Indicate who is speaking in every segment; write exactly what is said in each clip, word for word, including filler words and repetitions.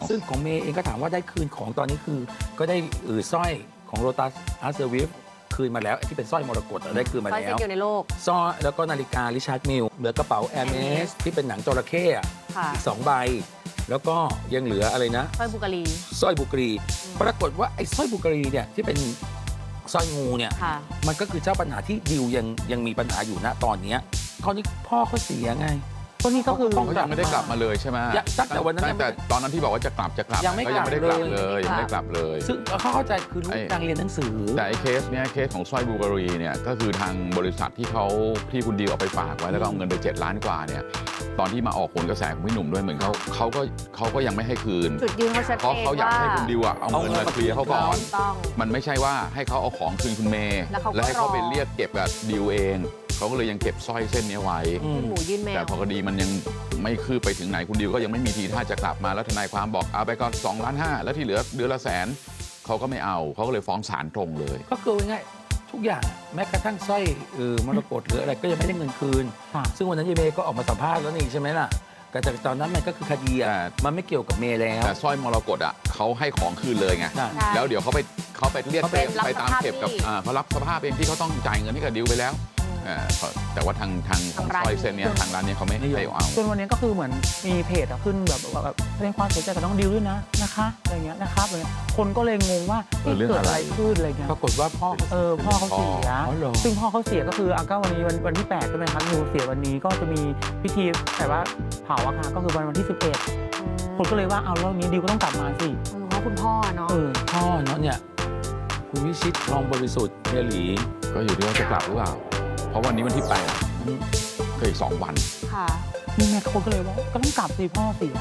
Speaker 1: ซึ่งของเมย์เองก็ถามว่าได้คืนของตอนนี้คือก็ได้เออสร้อยของโรตัสอาร์เซอร์วิฟคืนมาแล้วที่เป็นสร้อยมรกตได้คืนมา
Speaker 2: สร้อย
Speaker 1: แล้
Speaker 2: เซ็ต
Speaker 1: ว
Speaker 2: อยู่ในโลก
Speaker 1: สร้อยแล้วก็นาฬิการิชาร์ดมิลเหลือกระเป๋าแอร์เมสที่เป็นหนังจระเข้อะ
Speaker 2: ค่ะ
Speaker 1: อีกสองใบ แล้วก็ยังเหลืออะไรนะ
Speaker 2: สร้อยบุกรี
Speaker 1: สร้อยบุกรี ปรากฏว่าไอ้สร้อยบุกรีเนี่ยที่เป็นสร้อยงูเนี่ย
Speaker 2: ค่ะ
Speaker 1: มันก็คือเจ้าปัญหาที่ดิวยังยังมีปัญหาอยู่ณตอนเนี้ยคราวนี้พ่อเขาเสียไง
Speaker 3: ก็นี่ก็คือ
Speaker 1: ต้อง
Speaker 4: เขายังไม่ได้กลับมาเลยใช่ไหม
Speaker 1: ยังตั้งแต่วันนั้น
Speaker 4: ตั้งแต่ตอนนั้นที่บอกว่าจะกลับจะกลับ
Speaker 1: ยังไม่
Speaker 4: ก็ยังไม่ได้
Speaker 1: ก
Speaker 4: ก
Speaker 1: ลั
Speaker 4: ลั
Speaker 1: บบ เล
Speaker 4: เลย ยยังไม่ได้กลับเลย
Speaker 1: ซึ่งเขาเข้าใจคือลูก
Speaker 4: ไอ้
Speaker 1: นางเรียนหนังสือ
Speaker 4: แต่ไอ้เคสเนี้ยเคสของสร้อยบูการีเนี่ยก็คือทางบริษัทที่เขาที่คุณดิวเอาไปฝากไว้แล้วก็เอาเงินไปเจ็ดล้านกว่าเนี่ยตอนที่มาออกผลกระแสของพี่หนุ่มด้วยเหมือนเขาเขาก็เขาก็ยังไม่ให้คืน
Speaker 2: จุดยืนเขาชัด
Speaker 4: เพราะ
Speaker 2: เจน
Speaker 4: เขาอยาก
Speaker 2: ว่า
Speaker 4: ให้คุณดิวอะเอาเงินมาเคลียร์เขาก่อน
Speaker 2: ต้อง
Speaker 4: มันไม่ใช่ว่าให้เขาเอาของคืนคุณเมย์
Speaker 2: แล้วเขาก็
Speaker 4: แล้วให้เขา
Speaker 2: รอ
Speaker 4: ไปเรียกเก็บกับดิวเองเขาก็เลยยังเก็บสร้อยเส้นนี้ไว้
Speaker 1: อืม
Speaker 2: หมูยื่นแม
Speaker 4: แต่
Speaker 2: ว
Speaker 4: พอคดีมันยังไม่คืบไปถึงไหนคุณดิวก็ยังไม่มีทีท่าจะกลับมาแล้วทนายความบอกเอาไปก็สองล้านห้าแล้วที่เหลือเดือนละแสนเขาก็ไม่เอาเขาก็เลยฟ้องศาลตรงเลย
Speaker 1: ก็คือง่ายๆทุกอย่างแม้กระทั่งสร้อยเออมรกตหรืออะไรก็ยังไม่ได้เงินคืน
Speaker 3: ค่ะ
Speaker 1: ซึ่งวันนั้นยายเมย์ก็ออกมาสัมภาษณ์แล้วนี่ใช่ไหมล่ะแต่จากตอนนั้นมันก็คือคดีอ่ะ
Speaker 4: แต่
Speaker 1: มันไม่เกี่ยวกับเมย์แล้ว
Speaker 4: แต่สร้อยมรกตอ่ะเขาให้ของคืนเลยไง
Speaker 1: ใช่
Speaker 2: ใช่
Speaker 4: แล้วเดี๋ยวเขาไปเขาไปเรียก
Speaker 1: เขาไป
Speaker 4: เก็บ
Speaker 2: รับ
Speaker 4: ไปตาม
Speaker 2: สภาพ
Speaker 4: เก็บกับ
Speaker 2: หนี้
Speaker 4: อ่าเขารับสภาพเองที่เขาต้องจ่ายเงินให้กับดิวไปแล้วอ่าเขาแต่ว่าทางทางของ
Speaker 2: ทางร้าน
Speaker 4: สร้อยเส้นเนี้ยทางร้านเนี้ยเขาไม่ให้เอา
Speaker 3: จนวันนี้ก็คือเหมือนมีเพจอะขึ้นแบบแบบแบบแสดงความเสียใจกับน้องดิวด้วยนะนะคะอะไรเงี้ยนะครับอะไรเงี้ยคนก็เลยงงว่า
Speaker 4: เออเรื่อง
Speaker 3: เกิด
Speaker 4: อะไร
Speaker 3: อะไรขึ้นอะไรเงี้ย
Speaker 1: ปรากฏว่าพ่อเขา
Speaker 3: เออพ่อเขาเสีย
Speaker 1: อ๋อเหรอ
Speaker 3: ซึ่งพ่อเขาเสียก็คืออาก็วันนี้วันวันที่แปดใช่ไหมครับดิวเสียวันนี้ก็จะมีพิธีแต่ว่าเผาอะค่ะก็คือวันวันที่สิบเอ็ดคนก็เลยว่าเอาแล้วนี้ดิวก็ต้องกลับมาสิ
Speaker 2: เพราะคุณพ่อเนาะ
Speaker 3: เออ
Speaker 1: พ่อเนาะเนี่ยคุณวิชิตทองบริสุทธิ์เฮียหลี
Speaker 4: ก็อยู่ที่ว่าจะกลับหรือเปล่าเพราะวันนี้วันที่แปดก็อีกสองวัน
Speaker 2: ค่ะ
Speaker 3: นี่แม่คนก็เลยว่าก็ต้องกลับสิพ่อเสีย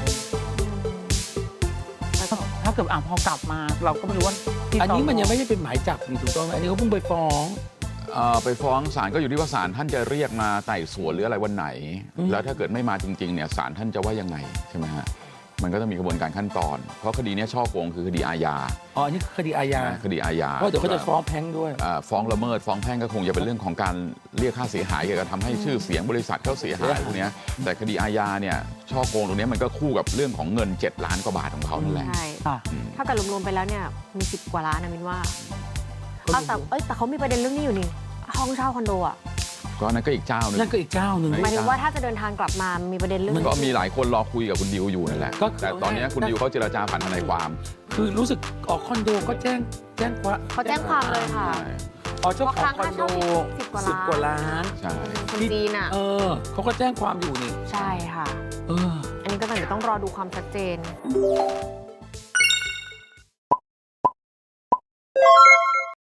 Speaker 3: แล้วก็ถ้าเกิดอ่ะพอกลับมาเราก็ไม่รู้ว่าที่
Speaker 1: อันนี้มัน
Speaker 3: ต
Speaker 1: ยังไม่ได้เป็นหมายจับนี่ถูกต้องไหมอันนี้เขาเพิ่งไปฟ้อง
Speaker 4: เอ่อไปฟ้องศาลก็อยู่ที่ว่าศาลท่านจะเรียกมาไต่สวนหรืออะไรวันไหน
Speaker 1: อืม
Speaker 4: แล้วถ้าเกิดไม่มาจริงๆเนี่ยศาลท่านจะว่ายังไงใช่ไหมฮะมันก็ต้องมีกระบวนการขั้นตอน เพราะคดีเนี้ยช่อโกงคือคดีอาญา
Speaker 1: อ๋ออันนี้คือคดีอาญา
Speaker 4: นะคดีอาญา
Speaker 1: เพราะเดี๋ยวเขาจะฟ้องแพ่งด้วย
Speaker 4: อ่าฟ้องละเมิดฟ้องแพ่งก็คงจะเป็นเรื่องของการเรียกค่าเสียหายเกี่ยวกับทำให้ชื่อเสียงบริษัทเขาเสียหายพวกเนี้ยแต่คดีอาญาเนี่ยช่อโกงตรงเนี้ยมันก็คู่กับเรื่องของเงินเจ็ดล้านกว่าบาทของเขานั่นแหละ
Speaker 2: ใช่
Speaker 3: ค่ะ
Speaker 4: อืม
Speaker 2: ถ้าเกิดรวมๆไปแล้วเนี่ยมีสิบกว่าล้านนะมินว่า
Speaker 1: ก็รวมๆ
Speaker 2: เอาแต่เอ้ยแต่เขามีประเด็นเรื่องนี้อยู่นี่ห้องเช่าคอนโดอ่ะ
Speaker 4: ก็นั่นก็อีกเจ้าหนึง
Speaker 1: นั่นก็อีกเจ้าหนึ่ง
Speaker 2: หมายถึงว่าถ้าจะเดินทางกลับมามีประเด็นเรื่อง
Speaker 4: ก็มีหลายคนรอคุยกับคุณดิวอยู่นั่นแหละ
Speaker 1: ก็คือ
Speaker 4: แต่ตอนเนี้ยคุณดิวเขาเจรจาผ่านทนายความ
Speaker 1: คือรู้สึกออกคอนโดก็แจ้งแจ้งความ
Speaker 2: เขาแจ้งความเลยค่ะ
Speaker 4: ใช่
Speaker 1: อ๋อเจ้าของคอนโด
Speaker 2: สิบกว่า
Speaker 1: สิบ
Speaker 2: ล้าน
Speaker 1: กว่าล้าน
Speaker 4: ใช่
Speaker 2: คนจีนอ่ะ
Speaker 1: เออเขาก็แจ้งความอยู่นี่
Speaker 2: ใช่ค่ะ
Speaker 1: เออ
Speaker 2: อันนี้ก็ต้องเดี๋ยวต้องรอดูความชัดเจน